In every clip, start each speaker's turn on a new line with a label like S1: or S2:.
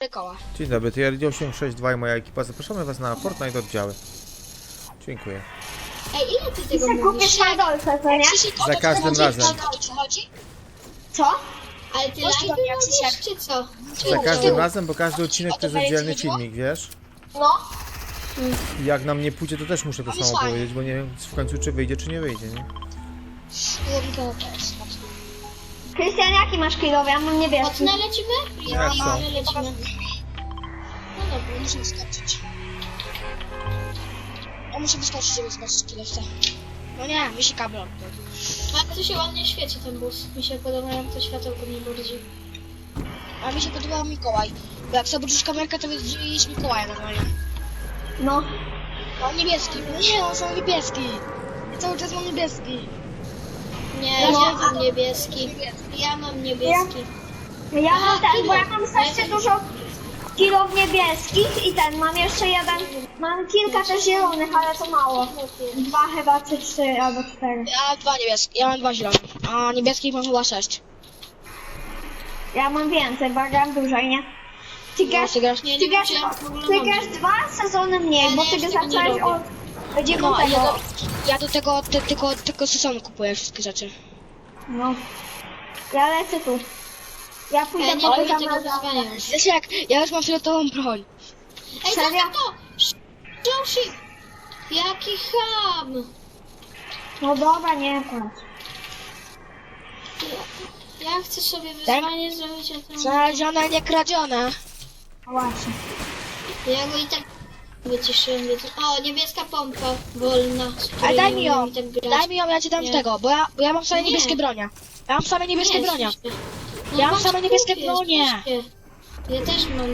S1: koła.
S2: Dzień dobry, to ja 862 i moja ekipa. Zapraszamy was na Fortnite oddziały. Dziękuję.
S3: Ej, ile ty tego
S4: Kupisz
S3: mówisz?
S4: na dolce, co nie?
S1: Krzysiek, o
S2: Za
S1: to
S2: każdym
S1: chodzi?
S2: razem.
S1: O to ci chodzi?
S4: Co?
S3: Ale ty
S1: Chodź tu do mnie,
S3: live
S1: Krzysiek.
S3: robisz, czy co?
S2: Za każdym razem, bo każdy odcinek to jest oddzielny filmik, wiesz?
S4: No.
S2: I jak nam nie pójdzie, to też muszę to samo powiedzieć, bo nie wiem w końcu czy wyjdzie, czy nie wyjdzie, nie?
S4: Krystian, jaki masz kilowy? Ja mam niebieski.
S3: Mocno lecimy?
S2: Jak
S3: Ja
S2: to?
S3: lecimy. No dobra.
S1: Muszę wyskoczyć. Ja muszę wyskoczyć, żeby zobaczyć kierowcę. No nie, mi się kabel odpadł.
S3: A to się ładnie świeci ten bus. Mi się podoba, jak to światełko mnie bardziej.
S1: A mi się podobał Mikołaj. Bo jak sobie wrócisz kamerkę, to widzisz Mikołaja normalnie.
S4: No.
S1: On niebieski. No nie, on są niebieski. Ja cały czas mam niebieski.
S3: Nie,
S4: No,
S3: ja mam niebieski. Ja mam niebieski.
S4: Ja mam
S3: Aha,
S4: ten, bo ja
S3: kilo.
S4: mam strasznie dużo kilo niebieskich i ten, mam jeszcze jeden, mam kilka też zielonych, ale to mało. Dwa chyba, czy trzy, albo cztery.
S1: Ja mam dwa niebieskie, ja mam dwa zielone. A niebieskich mam chyba 6.
S4: Ja mam więcej, bo ja gram dłużej, nie? Ty grasz,
S1: ty grasz-
S3: Nie,
S4: ty
S3: nie
S4: grasz,
S3: wiem, czy ja w ogóle
S4: ty
S3: mam.
S4: grasz 2 sezony mniej,
S3: Ja
S4: bo
S3: nie,
S4: ty
S3: jeszcze tego nie
S4: zacząłeś
S3: robię.
S4: od 9.
S1: No, ja do tego sezonu kupuję wszystkie rzeczy.
S4: No. Ja lecę tu. Ja pójdę
S3: Ja nie
S4: po
S3: lubię
S4: tam
S3: tego wyzwania już.
S1: Wiesz jak, ja już mam fioletową broń.
S3: Ej,
S4: Serio?
S3: za to! Joshi! Jaki ham!
S4: No dobra, nie płacz.
S3: Ja chcę sobie wyzwanie zrobić, a tam...
S1: Znalezione, nie kradzione.
S4: No właśnie.
S3: Ja go i tak wyciszyłem, więc... O, niebieska pompa wolna, z której
S1: Ale daj
S3: nie
S1: mi ją,
S3: umiem tak grać.
S1: daj mi ją, ja ci dam
S3: Nie.
S1: tego, bo ja mam same
S3: Nie.
S1: niebieskie bronie. Ja mam same niebieskie
S3: Nie,
S1: bronie.
S3: śmiesznie.
S1: Ja mam
S3: chodź,
S1: same niebieskie
S3: kupię,
S1: bronie.
S3: śmiesznie. Ja też mam.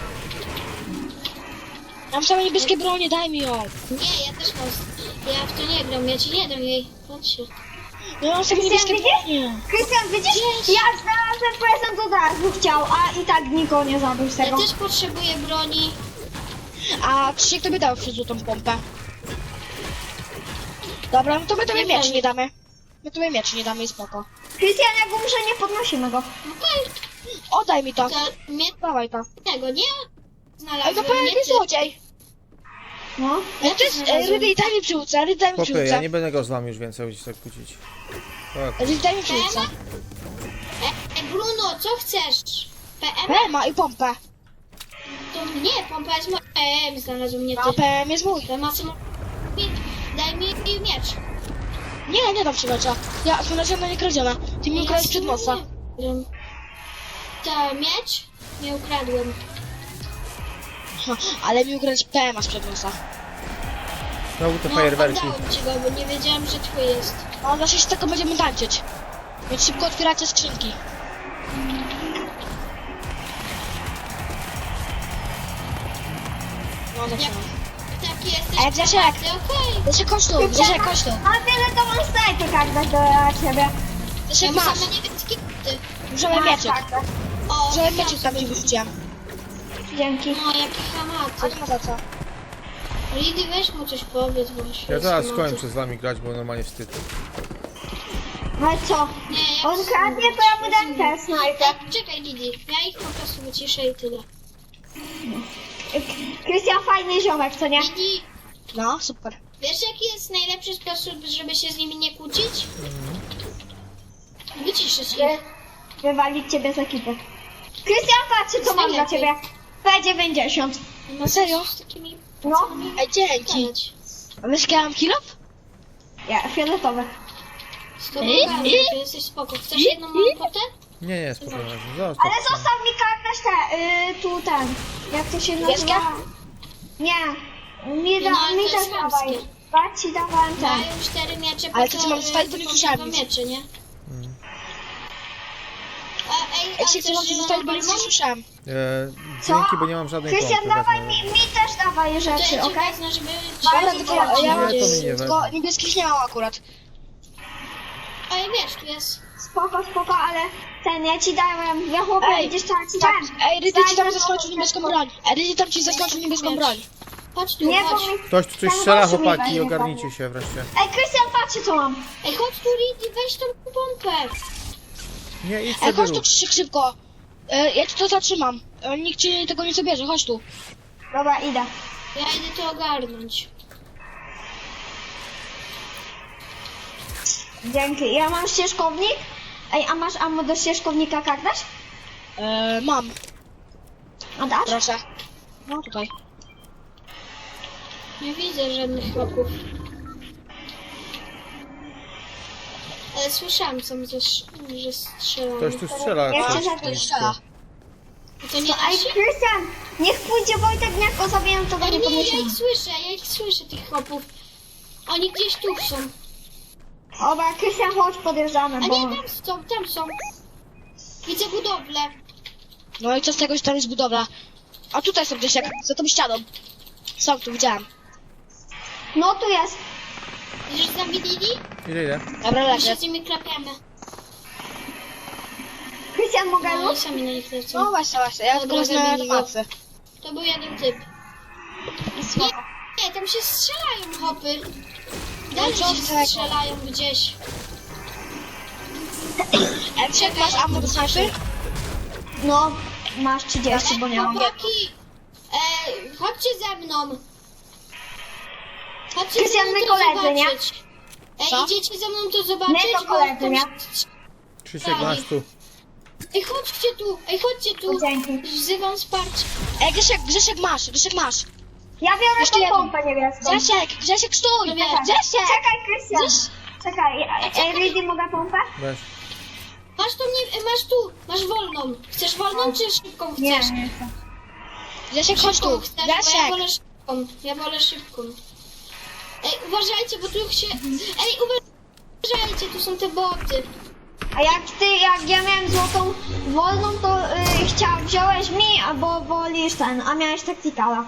S1: Ja mam same niebieskie bronie, daj mi ją.
S3: Nie, ja też mam. Ja w to nie gram, ja ci nie dam jej. Chodźcie.
S1: No ja mam same niebieskie bronie.
S4: Krystian, widzisz? Ja znalazłem prezent od razu chciał, a i tak nikogo nie zabił z
S3: Ja
S4: tego.
S3: też potrzebuję broni.
S1: A Krzysiek tobie dał przez złotą pompę. Dobra, no to my tobie
S3: Nie
S1: miecz
S3: wiem.
S1: nie damy. My tobie miecz nie damy i spoko.
S4: Krystian, jak umrze, nie podnosimy go.
S3: Okej,
S1: Oddaj mi to.
S3: to mnie
S1: Dawaj to.
S3: tego nie
S1: Ej,
S3: znalazłem.
S1: to powiem
S3: nie
S1: jakiś
S3: ty.
S1: złodziej.
S4: No.
S1: Ja to jest, Rydy, daj mi przyłócę, Rydy, daj mi
S2: Popy, ja
S1: przyłócę.
S2: nie będę go z wami już więcej tak kłócić. Tak.
S1: Rydy, daj mi przyłócę.
S3: Bruno, co chcesz? PM?
S1: PM i pompę.
S3: To nie, pompa jest moja. PM znalazłem, nie ty.
S1: A PM jest mój.
S3: To ma samo... Daj mi miecz.
S1: Nie, nie dam ci mecza. Ja znalazłem nie kradziona. Ty mi ukradłeś przed nosa.
S3: To miecz? Nie ukradłem.
S1: Ha, ale mi ukradłeś PM przed nosa.
S2: Znowu te
S3: No,
S2: fajerwerki.
S3: oddałem ci go, bo nie wiedziałem, że twój jest.
S1: No, znaczy się tylko będziemy tańczyć. Więc szybko otwieracie skrzynki. No, zaczynam.
S3: Taki jesteś.
S1: Ej, Grzesiek!
S3: Okej.
S1: Grzesiek, chodź tu, Grzesiek, chodź tu.
S4: A tyle to mam snajpy tak do ciebie.
S1: Grzesiek,
S3: Ja mam
S1: masz.
S3: same niebieskie buty.
S1: Możemy mieczyk.
S3: O,
S1: Możemy mieczyk tam ci wyrzuciłem.
S4: Dzięki.
S3: No, jakie
S1: A
S3: hamaty.
S1: nie ma za co.
S3: Lidy, weź mu coś powiedz, bo
S2: Ja zaraz skończę z wami grać, bo normalnie wstyd.
S4: No i co?
S3: Nie, jak
S4: On kradnie, to ja będę też snajpę.
S3: Ej, czekaj, Lidy. Ja ich po prostu wyciszę i tyle.
S4: Krystian, fajny ziomek, co nie?
S3: Lidy,
S1: No, super.
S3: wiesz jaki jest najlepszy sposób, żeby się z nimi nie kłócić? Wyciszyć ich.
S4: Wywalić ciebie z ekipy. Krystian, patrzcie co mam dla ciebie. P90.
S3: No
S1: serio?
S3: Z takimi
S4: No,
S1: Ej, dzięki.
S3: gadać.
S1: A wiesz, jaki ja mam kilo?
S4: ja, fioletowy.
S3: Z tobą gadać, to jesteś spoko. Chcesz jedną małą potę?
S2: Nie, spokojnie. Zostaw.
S4: Ale zostaw mi kartę tu ten. Jak to się
S1: Niebieskie?
S4: nazywa? Nie. Mi,
S3: No, ale
S4: mi
S3: to
S4: też
S3: jest
S4: dawaj.
S3: chamskie.
S4: Ja ci dawałem ten.
S3: Mają 4 miecze,
S1: Ale
S3: po
S1: to
S3: co,
S1: ci mam zostawić, bo nie słyszałem
S3: dwa
S1: nic.
S3: miecze, nie?
S1: Ej,
S3: a
S1: się chcę
S3: chcesz
S1: zostać, bo nic nie
S3: zieloną
S1: słyszałem.
S4: Co?
S2: Dzięki, bo nie mam żadnej
S4: Krystian,
S2: pompy.
S4: dawaj
S2: wezmę.
S4: mi też dawaj
S3: To
S4: rzeczy,
S3: ja ci
S4: okej?
S3: wezmę, żeby...
S1: Dobra, tylko ja
S2: Nie,
S1: mam
S2: to mi nie
S1: tylko
S2: wezmę.
S1: niebieskich nie mam akurat.
S3: Ej, wiesz, tu jest...
S4: Spoko, ale ten, ja ci dałem, ja chłopie,
S1: Ej,
S4: widzisz co ja ci
S1: tak,
S4: dałem?
S1: ej, Rydy ci tam
S4: Daj,
S1: zaskoczył niebieską broń. Ej, Rydy tam ci zaskoczył niebieską broń.
S3: Chodź tu,
S4: Nie, bo
S3: chodź.
S4: mi...
S2: Ktoś tu coś
S4: ten
S2: strzela,
S4: gościu mi
S2: chłopaki,
S4: wejdzie,
S2: ogarnijcie się wreszcie.
S4: Ej, Krystian, patrzcie co mam.
S3: Ej, chodź tu, Lidy, weź tą pompę.
S2: Nie, idź
S1: Ej,
S2: sobie
S1: chodź tu
S2: rób.
S1: Krzysiek szybko. Ja ci to zatrzymam. Nikt ci tego nie zabierze, chodź tu.
S4: Dobra, idę.
S3: Ja idę to ogarnąć.
S4: Dzięki. Ja mam ścieżkownik. Ej, a masz ammo do ścieżkownika kartać?
S1: Mam,
S4: A dasz?
S1: proszę. No tutaj.
S3: Nie widzę żadnych chłopów. Ale słyszałam sam, że strzelają.
S2: Ktoś tu strzela.
S4: Ja
S2: ktoś
S4: chcę
S2: tu
S4: zabić.
S2: strzela.
S3: To nie
S4: To, ej,
S3: nasi?
S4: Krystian, niech pójdzie Wojtek, jak go zabiję, to go
S3: Ale
S4: nie
S3: nie,
S4: podniesiemy.
S3: ja ich słyszę, tych chłopów. Oni gdzieś tu są.
S4: Dobra, Krystian, chodź, podjeżdżamy,
S3: A
S4: bo...
S3: nie, tam są. Widzę budowlę.
S1: No i co z tego, że tam jest budowla? A tutaj są gdzieś jak za tą ścianą. Są tu, widziałem.
S4: No, tu jest.
S3: Widzisz, zamienili?
S2: Ile?
S1: Dobra,
S3: My się
S1: lecę.
S3: z nimi klapiamy.
S4: Krystian, mogę
S3: No i
S4: luz?
S3: sami na nich
S1: No
S3: lecą.
S1: właśnie, ja tylko
S3: Dobra,
S1: wezmę
S3: zamienili go.
S1: matce.
S3: To był jeden typ. Nie, tam się strzelają hopy. Dalej
S1: co
S3: się
S1: z tego?
S3: strzelają gdzieś.
S1: Jak masz ammo do snajpy?
S4: No, masz 30, bo nie mam.
S3: Chłopaki, chodźcie ze mną. Chodźcie
S4: Krystian,
S3: ze mną
S4: my
S3: to
S4: koledzy, nie?
S3: zobaczyć.
S1: Co?
S3: Idziecie ze mną to zobaczyć?
S4: My to
S3: bo
S4: koledzy,
S3: tam
S4: nie?
S3: się-
S2: Krzysiek, masz tu.
S3: Ej, chodźcie tu.
S4: O, dzięki.
S3: Wzywam wsparcie.
S1: Grzesiek masz.
S4: Ja biorę
S1: Jeszcze
S4: tą
S1: jedną.
S4: pompę niebieską.
S1: Grzesiek, stój!
S3: No wiem.
S1: Grzesiek!
S4: Czekaj, Krystian. Czekaj, ej, Ridy, mogę pompę?
S2: Weź.
S3: Masz tu, masz wolną. Chcesz wolną czy szybką chcesz?
S4: Nie, nie chcę.
S1: Grzesiek, chodź
S3: Szybką
S1: tu.
S3: chcesz, bo ja
S1: Grzesiek!
S3: wolę szybką. Ja wolę szybką. Ej, uważajcie, bo tu się... Ej, uważajcie, tu są te boty.
S4: A jak ja miałem złotą wolną, to wziąłeś mi, albo wolisz ten, a miałeś taktykala.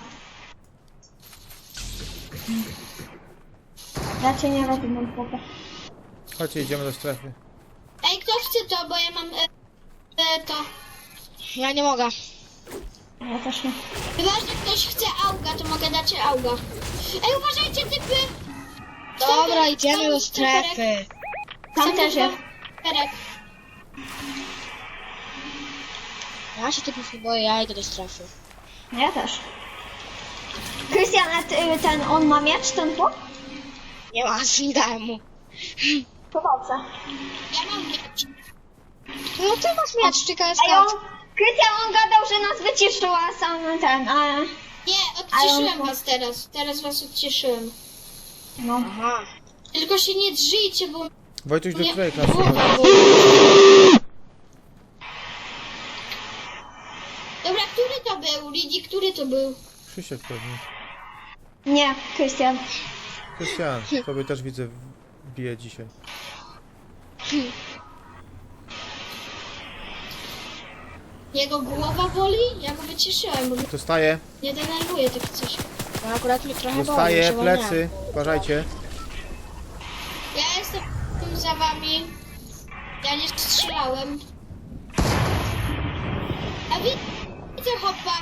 S4: Raczej nie robię mam pompę.
S2: Chodźcie, idziemy do strefy.
S3: Ej, kto chce to, bo ja mam to.
S1: Ja nie mogę.
S4: Ja też nie.
S3: Chyba, że ktoś chce auga, to mogę dać auga. Ej, uważajcie, typy!
S1: Dobra, idziemy do strefy.
S4: Tam też jest.
S3: Perek.
S1: Ja się typów nie boję, ja idę do strefy.
S4: Ja też. Krystian, a ten, on ma miecz, ten tu?
S1: Nie ma, nie dałem mu.
S4: To dobrze.
S3: Ja mam miecz.
S1: No ty masz miecz, czekaj,
S4: A on, Krystian, on gadał, że nas wyciszył, a sam ten, a...
S3: Nie,
S4: Ale
S3: odcieszyłem
S4: on-
S3: was teraz. Teraz was odcieszyłem.
S4: No.
S1: Aha.
S3: Tylko się nie drżyjcie, bo...
S2: Wojtuś do
S3: Nie.
S2: której klasy?
S3: Dobra, który to był? Lidzi, który to był?
S2: Krzysiek pewnie.
S4: Nie, Krystian.
S2: Krystian, tobie też widzę bije dzisiaj.
S3: Jego głowa boli? Ja go wycieszyłem, bo
S2: Dostaję,
S3: nie denerwuje takie coś.
S1: No akurat mnie trochę boli,
S2: dostaję,
S1: się
S2: plecy. Uważajcie.
S3: Ja jestem tu za wami. Ja nie strzelałem. A widzę hopa.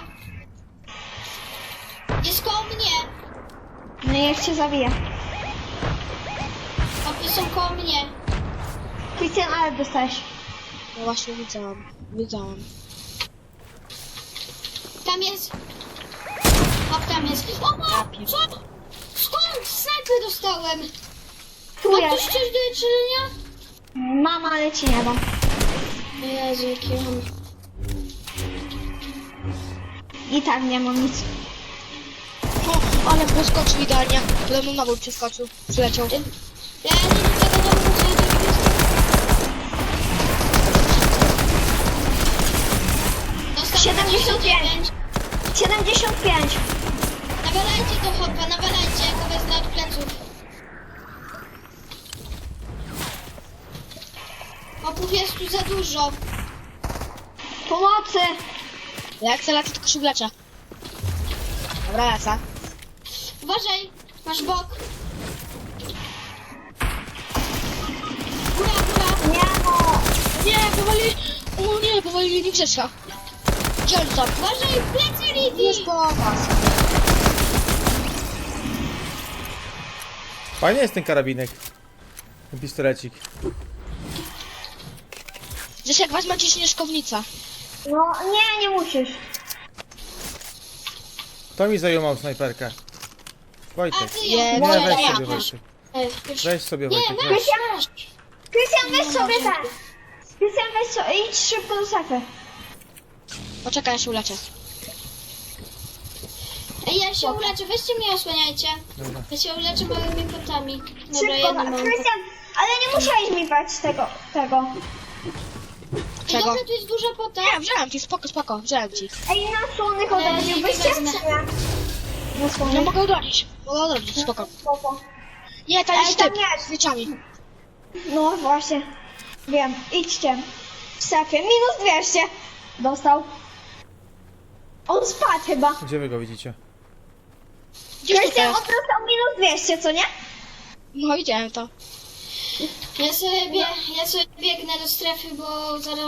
S3: Jest koło mnie.
S4: No niech cię zabije.
S3: Hopy są koło mnie.
S4: Krystian, ale dostałeś.
S1: No właśnie widziałam.
S3: Tam jest. Hop, tam jest. O, ma! Co? Skąd? Snajpę dostałem.
S4: Tu
S3: Ma ktoś
S4: jest.
S3: coś do jedzenia?
S4: Mama, ale ci nie dam.
S3: Jezu, jaki mam.
S4: I tak nie mam nic.
S1: O, ale poskoczył idealnie. Pode mną na bój przeskoczył. Przyleciał.
S3: Ja nie do tego domu, co do Dostał
S4: 75. 75.
S3: Nawalajcie do hopa, nawalajcie, ja go wezmę od pleców. Hopów jest tu za dużo.
S4: Pomocy.
S1: Jak chcę lecę, tylko się wleczę. Dobra, lecę.
S3: Uważaj, masz bok. Góra, góra.
S4: Nie no.
S1: Nie, powalili... O nie, powalili mi Grzesia. Gdzie on tam?
S3: Uważaj, plecy Lidii.
S1: Już po was.
S2: Fajny jest ten karabinek. Ten pistolecik.
S1: Grzesiek, weź macie śnieżkownica.
S4: No nie musisz.
S2: Kto mi zajmował snajperkę?
S3: A
S2: Wojtek.
S3: ty
S1: Nie,
S3: ją.
S2: Nie,
S1: Moja,
S2: weź
S1: ja.
S2: sobie Wojtek.
S3: Już.
S2: Weź sobie
S3: Nie,
S2: Wojtek, weź.
S3: masz.
S4: Krystian, weź sobie ten. Krystian, weź sobie, idź szybko do strefy.
S1: Poczekaj, ja się uleczę.
S3: Ej, ja się uleczę, weźcie mnie osłaniajcie.
S2: Dobra.
S3: Ja się uleczę małymi potami. Dobra,
S4: Szybko,
S3: jedno mam.
S4: Krystian, ale nie musiałeś mi brać tego.
S3: Ej,
S1: Czego?
S3: dobra, tu jest duża pota.
S1: Nie, wziąłem ci, spoko, wziąłem ci.
S4: Ej, na słonych
S3: Nie
S4: odrodziłbyście,
S3: wezmę.
S4: czy nie? Na
S1: No
S4: słonych.
S1: mogę odrodzić, spoko.
S4: Spoko.
S1: Nie, tam
S4: Ej,
S1: jest
S4: tam
S1: typ,
S4: nie.
S1: z wieczami.
S4: No właśnie. Wiem, idźcie. W strefie. Minus 200. Dostał. On spadł chyba.
S2: Gdzie wy go widzicie?
S1: Gdzieś
S4: Krystian, on
S1: tutaj.
S4: dostał minus 200, co nie?
S1: No widziałem to.
S3: Ja sobie biegnę do strefy, bo zaraz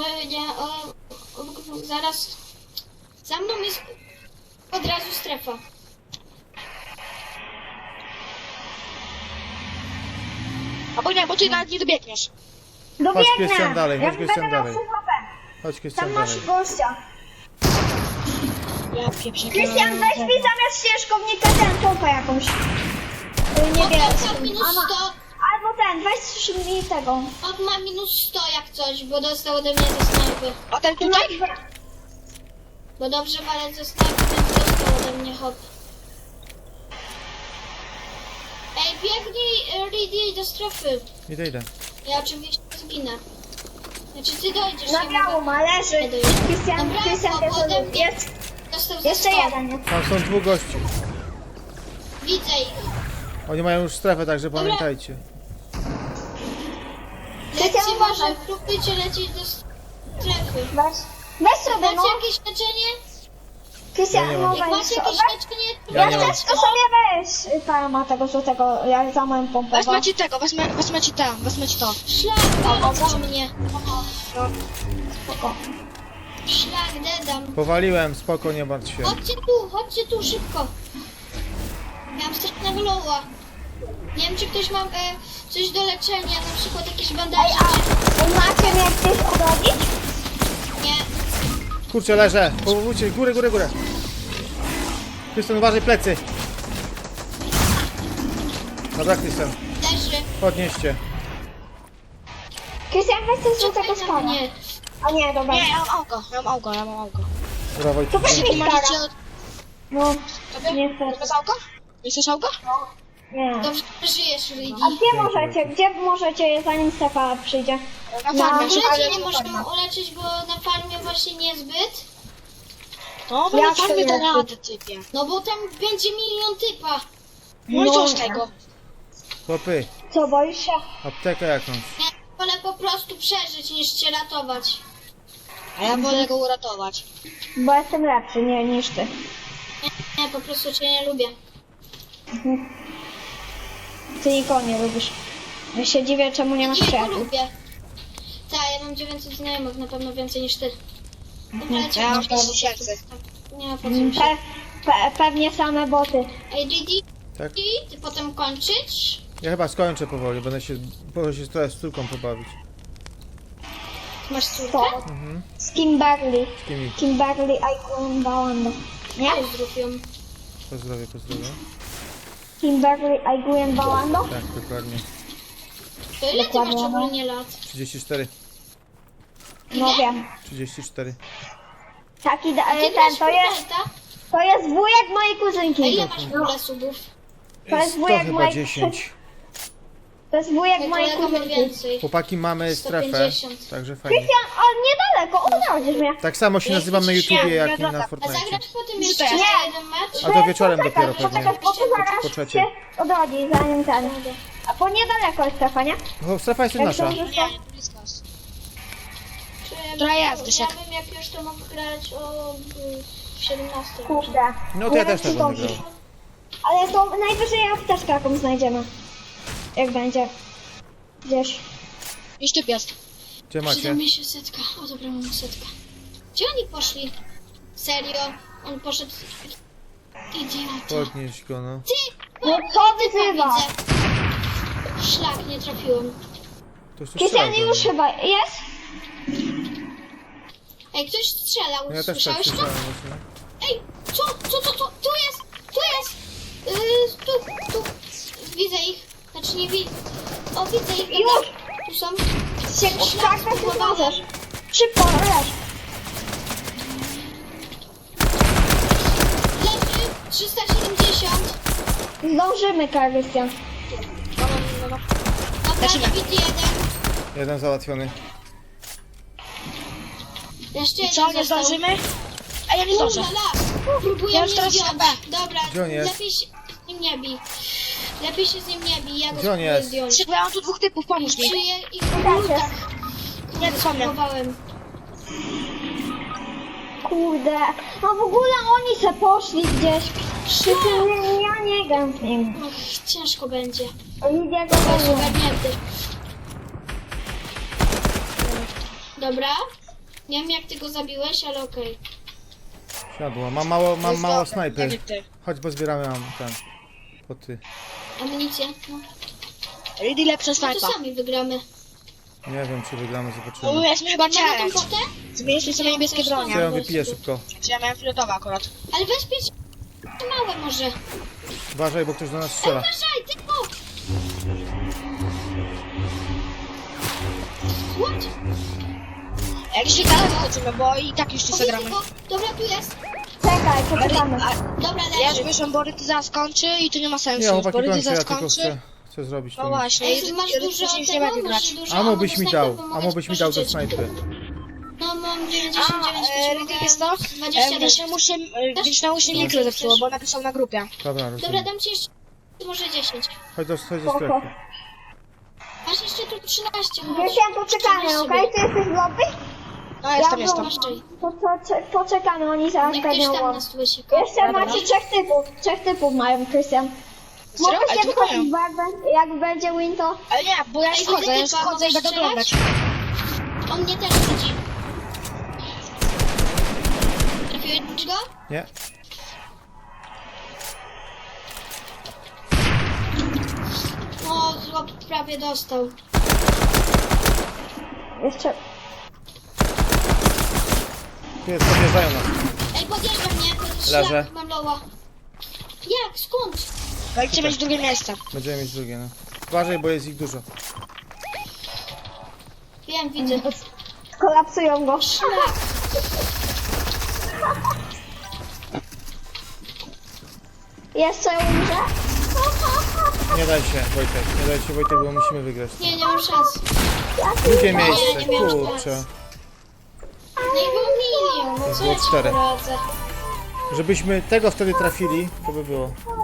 S3: zaraz za mną jest od razu strefa.
S1: Albo nie, bo ty nawet nie dobiegniesz.
S4: Dobiegnę.
S2: Krystian, dalej, chodź,
S4: Jak
S2: Krystian,
S4: będę miał
S2: dalej.
S4: full HP.
S2: Chodź
S4: Tam
S2: Krystian
S4: masz
S2: dalej.
S4: gościa.
S1: Ja pieprzę.
S4: Krystian, weź mi zamiast ścieżkownika ten pompę jakąś. Niebieską.
S3: Od minus 100,
S4: Albo ten, weź mi tego.
S3: od ma minus 100 jak coś, bo dostał ode mnie ze snajpy.
S1: A ten
S4: Ty
S1: tutaj?
S4: masz...
S3: Bo dobrze walę ze snajpy, ten dostał ode mnie hop. Ej, biegnij Ridy do strefy.
S2: Idę.
S3: Ja oczywiście zginę. Znaczy ty dojdziesz,
S4: Na
S3: nie
S4: biało
S3: mogę.
S4: ma, leży.
S3: Nie dojdziesz.
S4: Krystian,
S3: Dobra,
S4: Krystian
S3: hop,
S4: też
S3: ode mnie.
S4: jest.
S3: Dostał za
S4: Jeszcze
S3: 100.
S4: jeden jest.
S2: Tam są dwóch gości.
S3: Widzę ich.
S2: Oni mają już strefę, także pamiętajcie.
S3: Lećcie
S4: Krystian,
S3: może,
S4: uważaj.
S3: próbujcie lecieć do strefy.
S4: Weź sobie,
S3: Macie
S4: no.
S3: jakieś leczenie?
S4: Krystian,
S2: Ja nie
S4: no
S2: mam.
S3: Jak
S4: weź
S3: macie
S4: sobie.
S3: jakieś leczenie, to
S2: Ja
S4: Jak
S2: nie mam.
S4: chcesz, to sobie weź. Pana ma tego złotego, ja za moją pompę.
S1: Wezmę ci tego, wezmę ci tam, wezmę ci to.
S3: szlak dedam po mnie.
S4: Spoko.
S3: Szlak dedam.
S2: Powaliłem, spoko, nie martw się.
S3: Chodźcie tu, szybko. Miałam strasznego loła. Nie wiem, czy ktoś ma coś do leczenia, na przykład jakieś
S4: Ej,
S3: bandaże.
S4: a macie mnie gdzieś odrodzić?
S3: Nie.
S2: Kurczę, leżę. Powróćcie, górę. Krystian, uważaj plecy. Dobra, Krystian,
S3: Leży.
S2: podnieście.
S4: Krystian, weź coś złotego
S3: Czekaj na
S4: spada.
S3: mnie.
S4: A nie, dobra.
S1: Nie, ja mam augo.
S2: Dobra, Wojtek.
S4: To weź mi
S1: Możecie...
S4: stara. No,
S1: Tobie?
S4: niestety.
S1: Bez auga? Nie chcesz auga?
S4: Nie.
S3: Dobrze, że żyjesz, Ridy.
S4: A gdzie możecie, zanim Stefa przyjdzie?
S1: Na
S4: No,
S1: farmie,
S3: W
S1: że
S3: ogóle cię nie możemy uleczyć, bo na farmie właśnie niezbyt.
S1: No, bo na
S4: Jak to
S1: farmie to
S4: nie?
S1: radę, typie.
S3: No bo tam będzie milion typa.
S1: No i co z
S4: No.
S1: tego?
S2: Chłopy,
S4: Co, boisz się?
S2: aptekę jakąś.
S3: Ja wolę po prostu przeżyć niż cię ratować.
S1: A ja wolę go uratować.
S4: Bo jestem lepszy niż ty.
S3: Nie, po prostu cię nie lubię.
S4: Ty nikogo nie lubisz. Ja się dziwię, czemu nie masz
S3: Nie go
S4: przyjaciół.
S3: lubię. Tak, ja mam 900 znajomych, na pewno więcej niż ty. Dobra,
S1: Ja mam 5000.
S3: Nie ma po co mi się.
S4: Pewnie same boty.
S3: Ej, Didi,
S2: Tak?
S3: ty potem kończyć?
S2: Ja chyba skończę powoli, będę się trochę z córką pobawić.
S3: Masz córkę?
S4: To. Z Kimberly.
S2: Z kimi?
S4: Kimberly Icon Bałanda. Nie?
S3: Pozdrów ją.
S2: Pozdrowię.
S4: Kimberly Icon Bałando?
S2: Tak, dokładnie.
S3: To ile ty
S4: Dokładnie,
S3: masz
S4: no.
S3: ogólnie lat?
S2: 34.
S4: No wiem.
S2: 34.
S4: Taki
S3: Ty
S4: ten,
S3: grasz
S4: to jest wujek mojej
S3: A
S4: kuzynki.
S3: ile masz w ogóle subów?
S4: To jest
S2: To
S4: wujek
S2: chyba
S4: mojej
S2: 10.
S4: To jest wujek
S3: Mój
S4: mojej
S3: kolega ma
S4: kuzynki.
S3: więcej.
S2: Chłopaki, mamy strefę,
S3: 150.
S2: także fajnie.
S4: Krystian, o niedaleko, odrodzisz mnie.
S2: Tak samo się nazywam na YouTubie, jak i na
S3: A
S2: Fortnite.
S3: zagrać potem jeszcze
S1: Nie.
S3: jeden mecz?
S2: A to wieczorem dopiero pewnie.
S4: Poczekaj, bo tu zaraz
S2: Po trzeciej.
S4: się odrodzi, zanim ten. A po niedaleko jest strefa, nie?
S2: O, strefa jest nasza.
S1: Nie, nie blisko nas. Która jest, Dysiek?
S3: Ja bym jak już to mógł grać o 17.
S4: Kurde.
S2: No to ja też tak
S4: wiem, czy
S2: będę
S4: to-
S2: grał.
S4: Ale to najwyżej apteczkę jakąś znajdziemy. Jak będzie. Gdzieś.
S1: Już typ jest.
S2: Gdzie
S3: Przyda
S2: macie?
S3: mi się setka. O dobra, mam setkę. Gdzie oni poszli? Serio? On poszedł... Idiota.
S2: Podnieś go, no.
S3: Ty!
S4: No co wyzywa?
S3: Widzę. Szlak, nie trafiłem.
S2: To już
S4: Krystian
S2: strzelał do
S4: już
S2: mnie.
S4: chyba jest?
S3: Ej, ktoś strzelał,
S2: No ja też tak
S3: słyszałeś to?
S2: słyszałem właśnie.
S3: Ej, co? Tu jest! Tu jest! Tu. Widzę ich. Znaczy nie widzę. O, widzę ich. Dobra.
S4: Już!
S3: Tu są.
S4: Tak, tak, możesz. Szybko, lecz.
S3: Leży 370.
S4: Zdążymy, Krystian.
S3: Dobra,
S1: Lecimy.
S3: bit jeden.
S2: Jeden załatwiony.
S3: Jeszcze
S1: I
S3: jeden
S1: co, nie
S3: został.
S1: zdążymy? A ja nie zdążę.
S3: Próbuję
S1: Ja
S3: mnie
S1: już teraz
S3: zdjąć.
S1: na B.
S3: Dobra,
S2: Gdzie on jest?
S3: lepiej się z nim nie bij. Lepiej się z nim nie bij, ja go
S2: Gdzie on
S3: spróbuję
S2: jest?
S3: zdjąć.
S1: Szybko, ja mam tu dwóch typów, pomóż mi.
S3: Czuję ich w
S4: Uda się.
S3: lutach.
S1: Nie, to są mnie.
S3: Próbowałem.
S4: Kurde. No w ogóle oni se poszli gdzieś. Przy tym ja nie gram z nim.
S3: Och, ciężko będzie.
S4: Idzie go
S3: To jest
S4: do
S3: ogarnięty. Dobra. Nie wiem jak ty go zabiłeś, ale okej.
S2: Siadło. Mam mało snajpy.
S1: Tak jak ty.
S2: Chodź, bo zbieramy mam ten. Poty.
S3: Amunicję. No.
S1: Ready lepsza
S3: No
S1: snajpa.
S3: to sami wygramy.
S2: Nie wiem, czy wygramy,
S1: No,
S2: zobaczymy.
S1: jest mi chyba
S3: Mamy tą
S1: challenge.
S3: potę?
S1: Zmieniliśmy sobie niebieskie bronie.
S2: Ja ją wypiję szybko.
S1: Czy ja miałem fioletowe akurat.
S3: Ale weź pięć małe może.
S2: Uważaj, bo ktoś do nas
S3: Ej,
S2: strzela.
S3: uważaj, ty o! What?
S1: Jak się gada, wychodzimy, bo i tak już tu
S3: Widzę
S1: zagramy.
S3: go. Dobra, tu jest.
S4: Czekaj, poczekamy.
S3: Dobra,
S1: Ja
S3: leży.
S1: już wyszłam, bo Rydy zaraz skończy i to nie ma sensu.
S2: Nie, chłopaki,
S1: bo Rydy
S2: kończę, ja
S1: zaraz
S2: tylko
S1: skończy.
S2: chcę zrobić
S1: No
S2: to.
S1: właśnie,
S3: Ej, masz
S1: Rydy
S3: dużo
S1: już nie będzie
S3: tego?
S1: grać.
S3: Masz dużo
S2: Amo byś
S3: do
S2: mi
S3: snajpy,
S2: dał,
S3: bo mogę
S2: amo
S3: ci
S2: byś mi dał do
S3: pożyczyć.
S2: snajpy.
S3: No mam 99,
S1: Rydy jest to?
S3: 27.
S1: Więc na uszy mikro zepsuło, bo napisał na grupie.
S2: Dobra,
S3: Dobra,
S2: rozumiem.
S3: dam ci jeszcze może 10.
S2: Chodź do
S4: Spoko.
S2: strefy.
S3: Masz jeszcze tu 13.
S4: Krystian, poczekamy, okej? Ty jesteś w lobby?
S1: No jestem,
S4: Ja
S1: jestem.
S3: Masz czyli.
S4: Poczekamy, oni zaraz
S3: Niech ktoś
S4: będą
S3: tam
S4: łap.
S3: nas słyszy.
S4: Jeszcze macie trzech typów mają, Krystian.
S1: Serio?
S4: Mogę
S1: Ale
S4: się
S1: to
S4: wchodzić,
S1: mają.
S4: bo jak będzie win to...
S1: Ale nie, bo ja już
S3: Ej,
S1: wchodzę, ja już
S3: widzę typa,
S1: wchodzę i
S3: mogę
S1: będę
S3: strzelać?
S1: oglądać.
S3: On mnie też widzi. Trafiłeś go?
S2: Nie?
S3: O, chłop prawie dostał.
S4: Jeszcze...
S2: Tu jest, podjeżdżają nas.
S3: Ej, podjeżdża mnie, to
S2: Leżę.
S3: szlak mam loła. Jak? Skąd?
S1: Dajcie mieć drugie miejsce.
S2: Będziemy mieć drugie, no. Uważaj, bo jest ich dużo.
S3: Wiem, widzę.
S4: Skolapsują go.
S3: Szlak.
S4: Jeszcze umrze?
S2: Nie daj się, Wojtek. Nie daj się, Wojtek, bo musimy wygrać.
S3: Nie, nie mam szans.
S2: Drugie
S3: nie
S2: miejsce,
S3: miałem
S2: kurczę.
S3: No i był milion, no co
S2: Było
S3: ja ci
S2: 4.
S3: poradzę?
S2: Żebyśmy tego wtedy trafili, to by było.